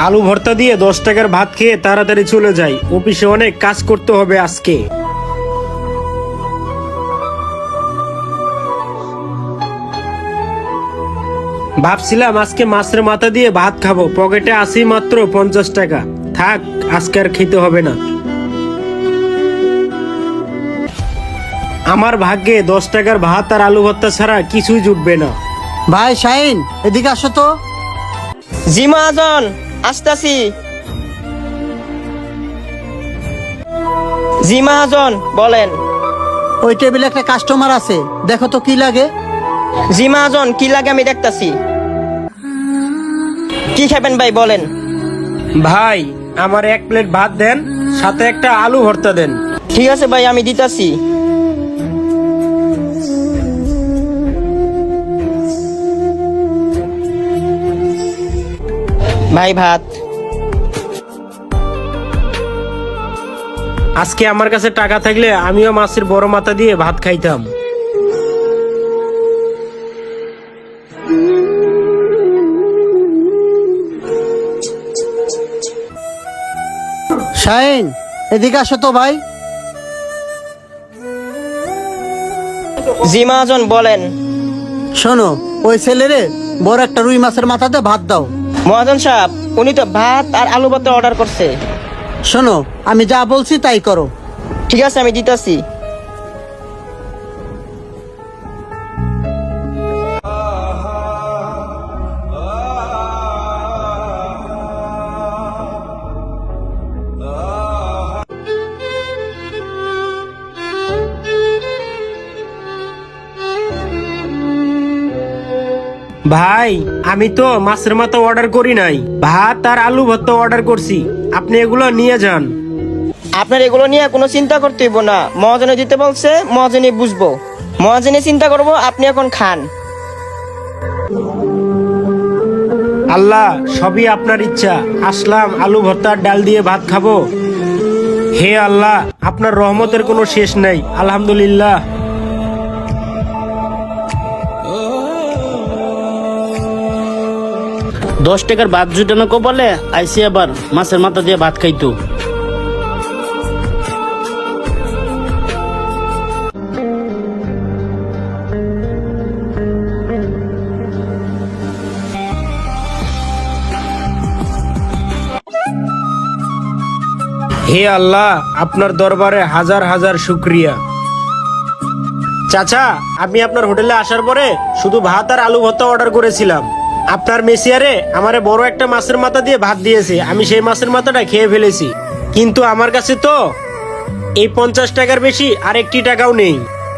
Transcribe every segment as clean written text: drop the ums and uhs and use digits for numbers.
আলু ভর্তা দিয়ে 10 টাকার ভাত খেয়ে তাড়াতাড়ি চলে যাই, অফিসে অনেক কাজ করতে হবে আজকে। ভাবছিলাম আজকে মাছের মাথা দিয়ে ভাত খাবো, পকেটে আসি মাত্র 50 টাকা। থাক, আজকে আর খেতে হবে না। আমার ভাগ্যে 10 টাকার ভাত আর আলু ভর্তা ছাড়া কিছুই জুটবে না। ভাই শাহিন, এদিকে আসো তো। জি মহাজন, আসতাছি। জি মহাজন, বলেন। ওই টেবিলে একটা কাস্টমার আছে, দেখো তো কি লাগে। জি মহাজন, কি লাগে আমি দেখতাছি। কি খাবেন ভাই, বলেন। ভাই, আমার 1 প্লেট ভাত দেন, সাথে একটা আলু ভর্তা দেন। ঠিক আছে ভাই, আমি দিতাছি। ভাই ভাত। আজকে আমার কাছে টাকা থাকলে আমিও মাছের বড় মাথা দিয়ে ভাত খাইতাম। শাহিন, এদিকে আসো তো ভাই। জি মহাজন, বলেন। শোনো, ওই ছেলেরে বড় একটা রুই মাছের মাথাতে ভাত দাও। মহাজন সাহেব, উনি তো ভাত আর আলু ভর্তা অর্ডার করছে। শোনো, আমি যা বলছি তাই করো। ঠিক আছে, আমি দিতাছি। ভাই, আমি তো মাছের মাথা অর্ডার করি নাই, ভাত আর আলু ভর্তা অর্ডার করছি। আপনি এগুলো নিয়ে যান। আপনার এগুলো নিয়ে কোনো চিন্তা করতে হইব না, মহাজনে দিতে বলছে, মহাজনে বুঝবো। মহাজনে চিন্তা করব, আপনি এখন খান। আল্লাহ, সবই আপনার ইচ্ছা। আসলাম আলু ভর্তা আর ডাল দিয়ে ভাত খাবো। হে আল্লাহ, আপনার রহমতের কোনো শেষ নাই। আলহামদুলিল্লাহ। দশ টাকার ভাত জুটানো কপালে আইসি আবার মাছের মাথা দিয়ে ভাত খাইতো। হে আল্লাহ, আপনার দরবারে হাজার হাজার শুক্রিয়া। চাচা, আমি আপনার হোটেলে আসার পরে শুধু ভাত আর আলু ভর্তা অর্ডার করেছিলাম। আপনার মেসিয়ারে আমারে বড় একটা মাছের মাথা দিয়ে ভাত দিয়েছে, আমি সেই মাছের মাথাটা খেয়ে ফেলেছি। কিন্তু আমার কাছে তো এই 50 টাকার বেশি আর একটি টাকাও নেই।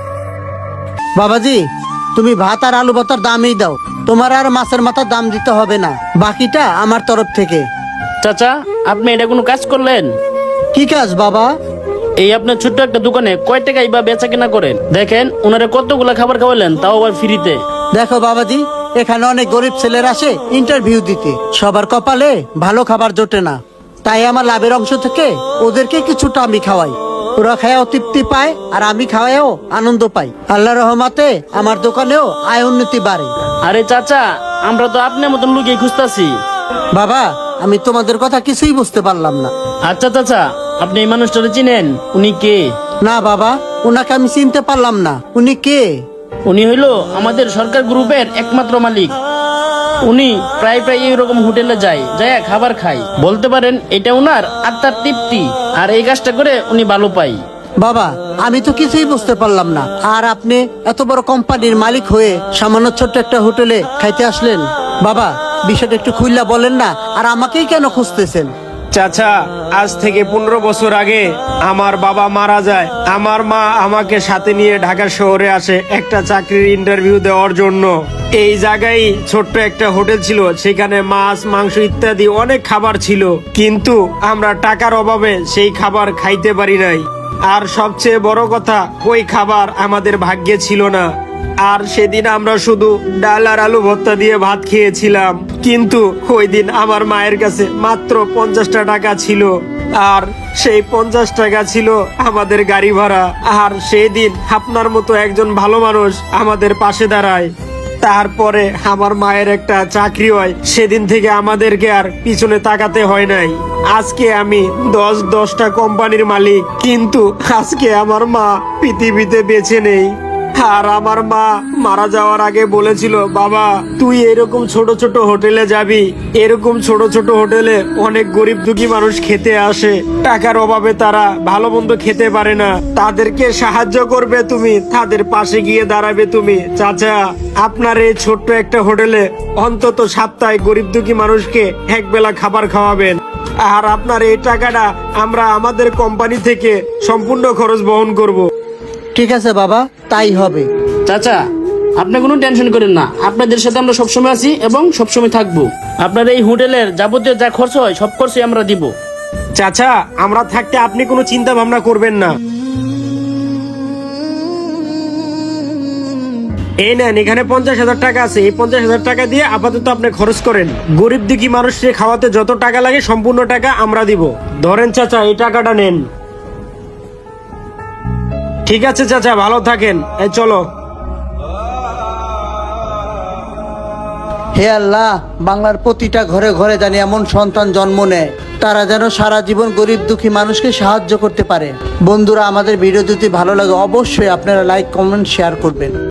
বাবাজি, তুমি ভাত আর আলু ভর্তার দামই দাও, তোমার আর মাছের মাথার দাম দিতে হবে না, বাকিটা আমার তরফ থেকে। চাচা, আপনি এটা কোনো কাজ করলেন? কি কাজ বাবা? এই আপনার ছোট্ট একটা দোকানে কয় টাকাই বা বেচা কেনা করেন? দেখেন ওনারে কতগুলা খাবার খাওয়ালেন, তাও আবার ফ্রিতে। দেখো বাবাজি, এখানে অনেক গরিব ছেলেরা আসে ইন্টারভিউ দিতে, সবার কপালে ভালো খাবার জোটে না, তাই আমার লাভের অংশ থেকে ওদেরকে কিছুটা আমি খাওয়াই। ওরা খায়াও তৃপ্তি পায় আর আমি খাওয়াও আনন্দ পাই। আল্লাহর রহমতে আমার দোকানেও আয় উন্নতি বাড়ে। আরে চাচা, আমরা তো আপনার মতন লুকিয়ে খুঁজতাছি। বাবা, আমি তোমাদের কথা কিছুই বুঝতে পারলাম না। আচ্ছা চাচা, আপনি এই মানুষটারে চিনেন? উনি কে? না বাবা, ওনাকে আমি চিনতে পারলাম না। উনি কে? উনি হইলো আমাদের সরকার গ্রুপের একমাত্র মালিক। উনি প্রায় প্রায় এইরকম হোটেলে যায় খাবার খায়। বলতে পারেন এটা উনার আত্মার তৃপ্তি, আর এই কাজটা করে উনি ভালো পায়। বাবা, আমি তো কিছুই বুঝতে পারলাম না। আর আপনি এত বড় কোম্পানির মালিক হয়ে সামান্য ছোট্ট একটা হোটেলে খাইতে আসলেন? বাবা, বিষয়টা একটু খুইলা বলেন না, আর আমাকেই কেন খুঁজতেছেন? চাচা, আজ থেকে 15 বছর আগে আমার বাবা মারা যায়। আমার মা আমাকে সাথে নিয়ে ঢাকা শহরে আসে একটা চাকরির ইন্টারভিউ দেওয়ার জন্য। এই জায়গায় ছোট্ট একটা হোটেল ছিল, সেখানে মাছ, মাংস ইত্যাদি অনেক খাবার ছিল, কিন্তু আমরা টাকার অভাবে সেই খাবার খাইতে পারি নাই। আর সবচেয়ে বড় কথা, ওই খাবার আমাদের ভাগ্যে ছিল না। আর সেদিন আমরা শুধু ডাল আর আলু ভর্তা দিয়ে ভাত খেয়েছিলাম। কিন্তু ওই দিন আমার মায়ের কাছে মাত্র 50টা টাকা ছিল, আর সেই 50 টাকা ছিল আমাদের গাড়ি ভাড়া। আর সেই দিন আপনার মতো একজন ভালো মানুষ আমাদের পাশে দাঁড়ায়, তারপরে আমার মায়ের একটা চাকরি হয়, সেদিন থেকে আমাদেরকে আর পিছনে তাকাতে হয় নাই। আজকে আমি 10টা কোম্পানির মালিক, কিন্তু আজকে আমার মা পৃথিবীতে বেঁচে নেই। আর আমার মা মারা যাওয়ার আগে বলেছিল, বাবা তুই এরকম ছোট ছোট হোটেলে যাবি, এরকম ছোট ছোট হোটেলে অনেক গরিব দুঃখী মানুষ খেতে আসে, টাকার অভাবে তারা ভালো মন্দ খেতে পারে না, তাদেরকে সাহায্য করবে তুমি, তাদের পাশে গিয়ে দাঁড়াবে তুমি। চাচা, আপনার এই ছোট্ট একটা হোটেলে অন্তত সপ্তাহে গরিব দুঃখী মানুষকে একবেলা খাবার খাওয়াবেন, আর আপনার এই টাকাটা আমরা আমাদের কোম্পানি থেকে সম্পূর্ণ খরচ বহন করব। ঠিক আছে বাবা, তাই হবে। চাচা, আপনি কোনো টেনশন করেন না, আপনাদের সাথে আমরা সবসময় আছি এবং সবসময় থাকবো। আপনার এই হোটেলের যাবতীয় যা খরচ হয় সব খরচই আমরা দিব। চাচা, আমরা থাকতে আপনি কোনো চিন্তা ভাবনা করবেন না। এই নেন, এখানে 50,000 টাকা আছে, এই 50,000 টাকা দিয়ে আপাতত আপনি খরচ করেন। গরিব দুঃখী মানুষকে খাওয়াতে যত টাকা লাগে সম্পূর্ণ টাকা আমরা দিব। ধরেন চাচা, এই টাকাটা নেন। ঠিক আছে চাচা, ভালো থাকেন। এই চলো। হে আল্লাহ, বাংলার প্রতিটা ঘরে ঘরে জানি এমন সন্তান জন্ম নেয়, তারা যেন সারা জীবন গরিব দুঃখী মানুষকে সাহায্য করতে পারে। বন্ধুরা, আমাদের ভিডিও যদি ভালো লাগে অবশ্যই আপনারা লাইক, কমেন্ট, শেয়ার করবেন।